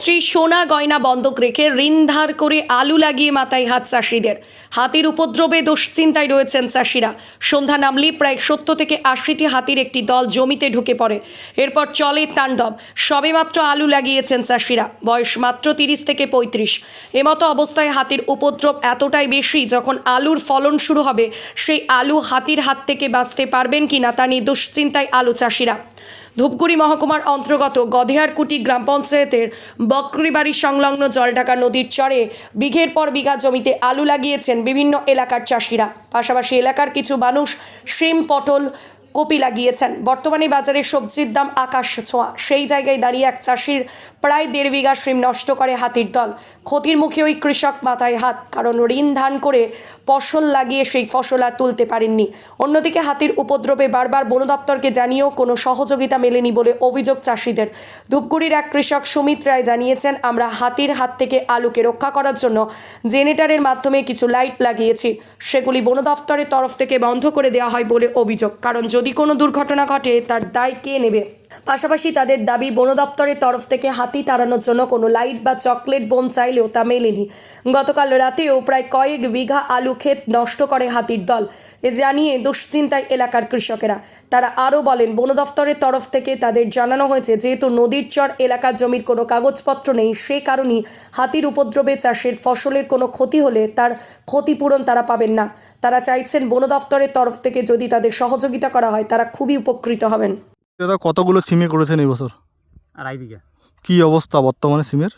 স্ত্রী সোনা গয়না বন্ধক রেখে ঋণ ধার করে আলু লাগিয়ে মাথায় হাত চাষিদের। হাতির উপদ্রবে দুশ্চিন্তায় রয়েছেন চাষিরা। সন্ধ্যা নামলেই প্রায় 70 থেকে 80টি হাতির একটি দল জমিতে ঢুকে পড়ে। এরপর চলে তাণ্ডব। সবেমাত্র আলু লাগিয়েছেন চাষিরা, বয়স মাত্র 30 থেকে 35। এমতো অবস্থায় হাতির উপদ্রব এতটাই বেশি, যখন আলুর ফলন শুরু হবে সেই আলু হাতির হাত থেকে বাঁচতে পারবেন কিনা তা নিয়ে দুশ্চিন্তায় আলু চাষিরা। ধূপগুড়ি মহকুমার অন্তর্গত গধেয়ারকুটি গ্রাম পঞ্চায়েতের বকরিবাড়ি সংলগ্ন জলঢাকা নদীর চরে বিঘের পর বিঘা জমিতে আলু লাগিয়েছেন বিভিন্ন এলাকার চাষিরা। পাশাপাশি এলাকার কিছু মানুষ শিম, পটল, কপি লাগিয়েছেন। বর্তমানে বাজারে সবজির দাম আকাশ ছোঁয়া। সেই জায়গায় দাঁড়িয়ে এক চাষির প্রায় 1.5 বিঘা শিম নষ্ট করে হাতির দল। ক্ষতির মুখে ওই কৃষক মাথায় হাত, কারণ ঋণ ধান করে ফসল লাগিয়ে সেই ফসল আর তুলতে পারেননি। অন্যদিকে হাতির উপদ্রবে বারবার বন দপ্তরকে জানিয়েও কোনো সহযোগিতা মেলেনি বলে অভিযোগ চাষিদের। ধূপগুড়ির এক কৃষক সুমিত রায় জানিয়েছেন, আমরা হাতির হাত থেকে আলুকে রক্ষা করার জন্য জেনারেটরের মাধ্যমে কিছু লাইট লাগিয়েছি। সেগুলি বন দপ্তরের তরফ থেকে বন্ধ করে দেওয়া হয় বলে অভিযোগ, কারণ যদি কোনো দুর্ঘটনা ঘটে তার দায় কে নেবে। পাশাপাশি তাদের দাবি, বন দপ্তরের তরফ থেকে হাতি তাড়ানোর জন্য কোনো লাইট বা চকলেট বোম চাইলেও তা মেলেনি। গতকাল রাতেও প্রায় কয়েক বিঘা আলু ক্ষেত নষ্ট করে হাতির দল। এ জানিয়ে দুশ্চিন্তায় এলাকার কৃষকেরা। তারা আরও বলেন, বন দপ্তরের তরফ থেকে তাদের জানানো হয়েছে, যেহেতু নদীর চর এলাকার জমির কোনো কাগজপত্র নেই, সে কারণেই হাতির উপদ্রবে চাষের ফসলের কোনো ক্ষতি হলে তার ক্ষতিপূরণ তারা পাবেন না। তারা চাইছেন বন দপ্তরের তরফ থেকে যদি তাদের সহযোগিতা করা হয় তারা খুবই উপকৃত হবেন। দাদা, কতগুলো সিমে করেছেন এই বছর? 2.5 বিঘা। কি অবস্থা বর্তমানে সিমের?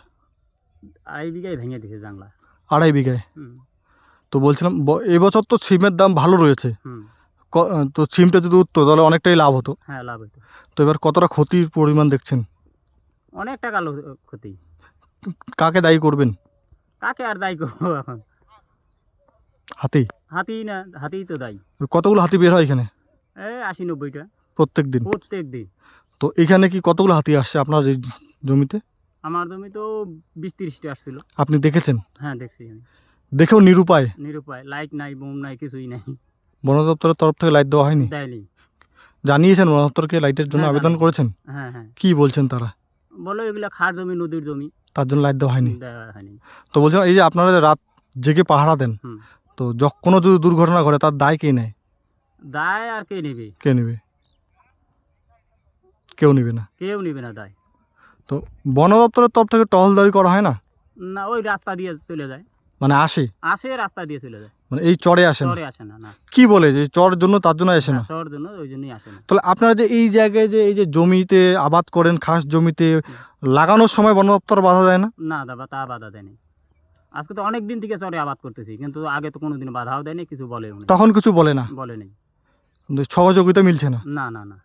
2.5 বিঘায় ভেঙে দিয়েছে জাংলা। 2.5 বিঘায়? তো বলছিলাম এবছর তো সিমের দাম ভালো রয়েছে। তো সিমটা যদি উঠতো তাহলে অনেকটাই লাভ হতো। হ্যাঁ, লাভ হতো। তো এবার কতটা ক্ষতির পরিমাণ দেখছেন? অনেক টাকা ক্ষতি। কাকে দায়ী করবেন? কাকে আর দায়ী করবো এখন? হাতি? হাতিই তো দায়ী। কতগুলো হাতি বের হয় এখানে? 80-90টা প্রত্যেক দিন? প্রত্যেক দিন। তো এখানে কি কতগুলো হাতি আসছে আপনার এই জমিতে? আমার জমি তো 20-30টা আসছিল। আপনি দেখেছেন? হ্যাঁ, দেখছি আমি। দেখেও নিরুপায়? নিরুপায়। লাইট নাই, বোম নাই, কিছুই নাই। বন দপ্তরের তরফ থেকে লাইট দেওয়া হয়নি? দেয়নি। জানিয়েছেন বন দপ্তরকে লাইটের জন্য? হ্যাঁ, আবেদন করেছেন? হ্যাঁ হ্যাঁ। কি বলছেন তারা? বলো এগুলা খার জমি, নদীর জমি, তার জন্য লাইট দেওয়া হয়নি? দেওয়া হয়নি। তো বলছিলাম, এই যে আপনারা যে রাত জেগে পাহারা দেন, তো কোনো যদি দুর্ঘটনা ঘটে তার দায় কে নেয়? দায় আর কে নেবে? কে নেবে? কেউ নেবে না? কেউ নেবে না দায়। তো বন দপ্তরের তরফ থেকে টহলদারি করা হয় না? না, ওই রাস্তা দিয়ে চলে যায়। মানে আসে রাস্তা দিয়ে চলে যায়। মানে এই চরে আসে না? চরে আসে না। না, কি বলে যে চর জন্য, তার জন্য আসে না? চর জন্য, ওই জন্যই আসে না। তাহলে আপনারা যে এই জায়গায় যে এই যে জমিতে আবাদ করেন, খাস জমিতে লাগানোর সময় বন দপ্তর বাধা দেয় না? না দাদা, তা বাধা দেয়নি। আজকে তো অনেক দিন থেকে চরে আবাদ করতেছি, কিন্তু আগে তো কোনোদিন বাধাও দেয়নি, কিছু বলেও না। তখন কিছু বলে না? বলে নেই। কিন্তু সহযোগিতা মিলছে না? না না না।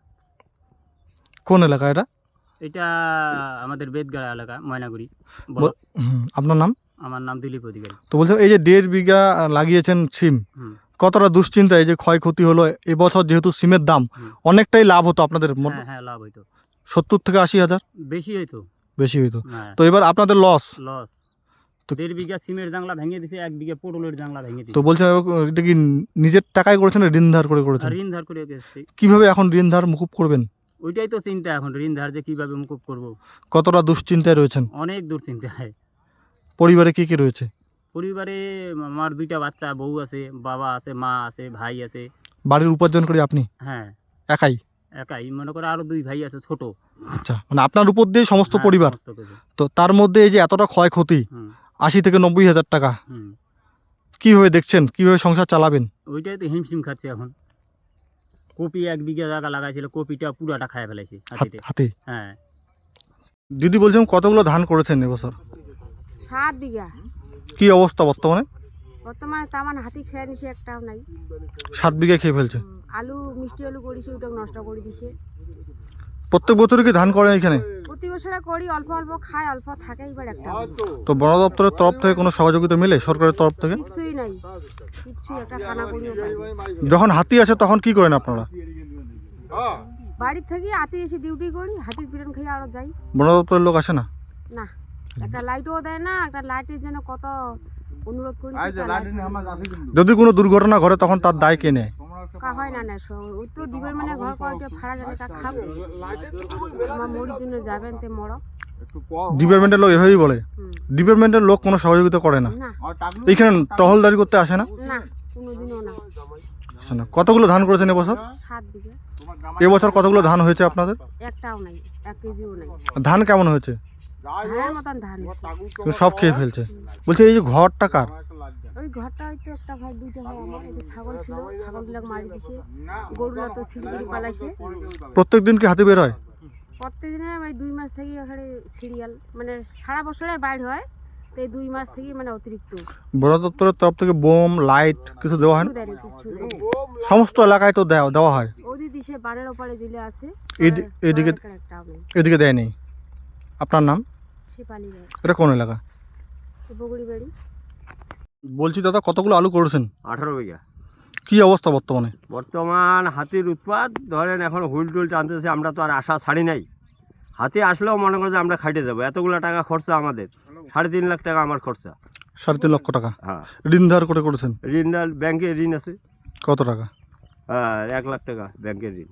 কোন এলাকা এটা? এটা আমাদের বেদগাড়া এলাকা, ময়নাগুড়ি। আপনার নাম? আমার নাম দিলীপ অধিকারী। তো বলছেন, এই যে 1.5 বিঘা লাগিয়েছেন সিম, কতটা দুশ্চিন্তা এই যে ক্ষয়ক্ষতি হলো এবছর, যেহেতু সিমের দাম অনেকটাই লাভ হতো আপনাদের? হ্যাঁ, লাভ হইতো। 70 থেকে 80 হাজার? বেশি হইতো। বেশি হইতো? তো এবার আপনাদের লস? 1.5 বিঘা সিমের জাংলা ভেঙে দিছে, 1 বিঘা পটলের জাংলা ভেঙে দিছে। তো বলছেন, এটা কি নিজের টাকায় করেছেন না ঋণ ধার করে করেছেন? ঋণ ধার করে গেছি। কিভাবে এখন ঋণ ধার মুকুব করবেন? ওইটাই তো চিন্তা এখন, ঋণ ধার যে কিভাবে মুকুব করব। কতটা দুশ্চিন্তায় রয়েছেন? অনেক দুশ্চিন্তায়। পরিবারে কে কে রয়েছে? পরিবারে আমার 2টা বাচ্চা, বউ আছে, বাবা আছে, মা আছে, ভাই আছে। বাড়ির উপার্জন করি আপনি? হ্যাঁ, একাই? একাই। মনে করে আরো 2 ভাই আছে ছোট। আচ্ছা, মানে আপনার উপর দিয়ে সমস্ত পরিবার? তো তার মধ্যে এই যে এতটা ক্ষয়ক্ষতি, 80 থেকে 90 হাজার টাকা, কিভাবে দেখছেন? কিভাবে সংসার চালাবেন? ওইটাই তো হিমশিম খাচ্ছে এখন। কপি 1 বিঘা জায়গা লাগাইছিল, কপিটা পুরাটা খায় ফেলাইছে হাতি। হ্যাঁ। দিদি বলছেন, কতগুলো ধান করেছেন এবছর? 7 বিঘা। কি অবস্থা বর্তমানে? বর্তমানে তামান হাতি খেয়ে নিছে, একটাও নাই। 7 বিঘা খেয়ে ফেলছে? আলু, মিষ্টি আলু করেছে, ওটা নষ্ট করে দিছে। প্রত্যেক বছরই কি ধান করেন এখানে? প্রতি বছরে করি, অল্প অল্প খায়, অল্প থাকে, এবার একটা। তো বন দপ্তরের তরফ থেকে কোনো সহযোগিতা মিলে সরকারের তরফ থেকে? কিছুই নাই, কিচ্ছুই, একটা খানা করিও পাই। যখন হাতি আসে তখন কি করেন আপনারা? বাড়ি থেকে হাতি এসে ডিউটি করি, হাতির পিটন খেয়ে আরো যাই। বন দপ্তরের লোক আসে না? না, একটা লাইটও দেয় না। একটা লাইটের জন্য কত অনুরোধ করি। যদি কোনো দুর্ঘটনা ঘটে তখন তার দায় কে নেয়? কা হয় না না ও তো দিবের মানে ঘর কয়টা ভাড়া জানে কা খাবে আমার মরির জন্য যাবেন তে মরো ডিপার্টমেন্টের লোক এভাবেই বলে? হুম। ডিপার্টমেন্টের লোক কোনো সহযোগিতা করে না? না এইখানে টহলদারি করতে আসে না? না কোনোদিনও না। আসে না। কতগুলো ধান করেছেন এবছর? 7 বিঘা এবছর কতগুলো ধান হয়েছে আপনাদের? একটাও নাই 1 কেজিও নাই ধান কেমন হয়েছে? ধানের মতন ধান হয়েছে। কিন্তু সব খেয়ে ফেলছে। বলছি এই যে ঘরটা কার? ওই ঘরটা হয়তো একটা ভাই দুইটা হয় আমার এটা ছাগল ছিল ছাগলগুলো মারি দিছে গরুগুলো তো শিলিগুড়ি পালাইছে প্রত্যেক দিন কি হাতি বের হয়? প্রত্যেকদিনে ওই 2 মাস থেকে এখানে সিরিয়াল মানে সারা বছরে বাইর হয় তো এই 2 মাস থেকে মানে অতিরিক্ত বন দপ্তরের তরফ থেকে বোম লাইট কিছু দেওয়া হয় না? কিছু দেয়নি, কিচ্ছু দেয়নি। সমস্ত এলাকায় তো দেওয়া হয়। ওদি দিছে বাড়ির ওপারে জেলে আছে এদিকে একটাও নেই এদিকে দেয়নি। আপনার নাম? শিপালি রায় এটা কোন এলাকা? বগুড়ি বাড়ি। বলছি দাদা কতগুলো আলু করেছেন? 18 বিঘা। কি অবস্থা বর্তমানে? বর্তমান হাতির উৎপাত ধরেন এখন হুইল টুল টানতেছে, আমরা তো আর আশা ছাড়ি নাই। হাতি আসলেও মনে করে যে আমরা খাইতে যাবো, এতগুলো টাকা খরচা আমাদের, 3.5 লাখ টাকা আমার খরচা। 3.5 লক্ষ টাকা হ্যাঁ, ঋণ ধার করে করেছেন? ঋণ ব্যাংকে ঋণ আছে। কত টাকা? হ্যাঁ, 1 লাখ টাকা ব্যাংকের ঋণ।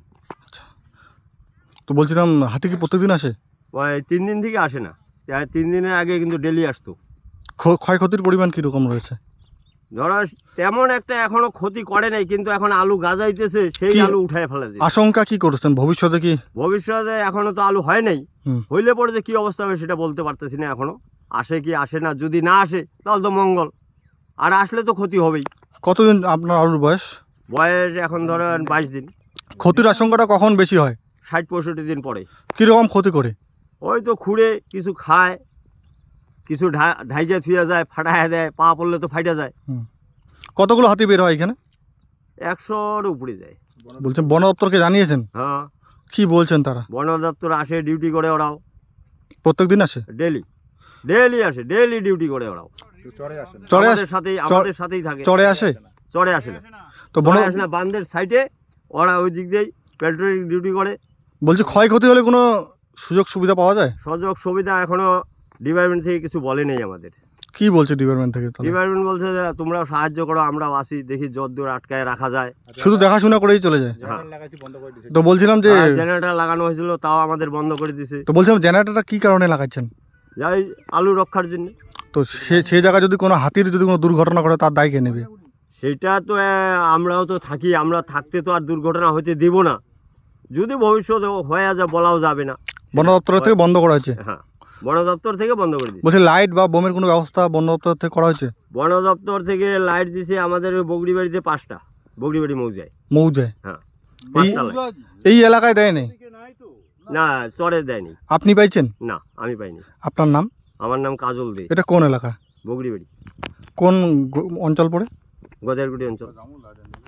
তো বলছিলাম হাতি কি প্রত্যেকদিন আসে? ওই 3 দিন থেকে আসে না, 3 দিনের আগে কিন্তু ডেলি আসতো। ক্ষয়ক্ষতির পরিমাণ কীরকম রয়েছে? ধরো তেমন একটা এখনো ক্ষতি করে নাই, কিন্তু এখন আলু গাজাইতেছে, সেই কি আলু উঠায় ফেলে দিই। আশঙ্কা কি করছেন ভবিষ্যতে? কি ভবিষ্যতে এখনো তো আলু হয় নাই, হুম। হইলে পরে যে কি অবস্থা হবে সেটা বলতে পারতেছি না এখনো। আসে কি আসে না, যদি না আসে তাহলে তো মঙ্গল, আর আসলে তো ক্ষতি হবেই। কতদিন আপনার আলুর বয়স? বয়স এখন ধরেন 22 দিন। ক্ষতির আশঙ্কাটা কখন বেশি হয়? 60-65 দিন পরে। কীরকম ক্ষতি করে? ওই তো খুঁড়ে কিছু খায়, কিছু ঢাইজা থুয়া যায়, ফাটায় দেয়, পা পড়লে তো ফাইটা যায়। কতগুলো হাতি বের হয় এখানে? 100-র উপরে যায়। বলছেন বন দপ্তরকে জানিয়েছেন? হ্যাঁ, কি বলছেন তারা? বন দপ্তর আসে, ডিউটি করে ওরাও। প্রত্যেকদিন আসে? ডেলি আসে, ডেলি ডিউটি করে ওরাও। চড়ে আমাদের সাথেই থাকে। চড়ে আসে? চড়ে আসে না, তো বন চড়ে আসে না, বান্ধের সাইডে ওরা ওই দিক দিয়েই পেট্রোলিং ডিউটি করে। বলছি ক্ষয়ক্ষতি হলে কোনো সুযোগ সুবিধা পাওয়া যায়? সুযোগ সুবিধা এখনো ডিপার্টমেন্ট থেকে কিছু বলে নেই আমাদের। কি বলছে ডিপার্টমেন্ট থেকে তাহলে? ডিপার্টমেন্ট বলছে যে তোমরাও সাহায্য করো, আমরাও আসি, দেখি যতদূর আটকায় রাখা যায়। শুধু দেখাশোনা করেই চলে যায়? হ্যাঁ। তো বলছিলাম যে জেনারেটর লাগানো হয়েছিল, তাও আমাদের বন্ধ করে দিছে। তো বলছিলাম জেনারেটরটা কি কারণে লাগাচ্ছেন? যাই আলু রক্ষার জন্য। তো সেই জায়গায় যদি কোনো হাতির যদি কোনো দুর্ঘটনা ঘটে তার দায় কে নেবে? সেটা তো আমরাও তো থাকি, আমরা থাকতে তো আর দুর্ঘটনা হতে দেব না। যদি ভবিষ্যতে হয়ে যায় বলাও যাবে না। বন দপ্তর থেকে বন্ধ করা হয়েছে? হ্যাঁ, বন দপ্তর থেকে বন্ধ করে দিচ্ছে। বলছি লাইট বা বোমের কোনো ব্যবস্থা বন দপ্তর থেকে করা হয়েছে? বন দপ্তর থেকে লাইট দিছে আমাদের বগড়ি বাড়িতে 5টা, বগড়ি বাড়ি মৌজায়। মৌজায়? হ্যাঁ, এই 5টা লাইট। এই এলাকায় দেয়নি? না, চরে দেয়নি। আপনি পাইছেন? না, আমি পাইনি। আপনার নাম? আমার নাম কাজল দে, এটা কোন এলাকা? বগড়ি বাড়ি, কোন অঞ্চল পড়ে? গদারগুটি অঞ্চল।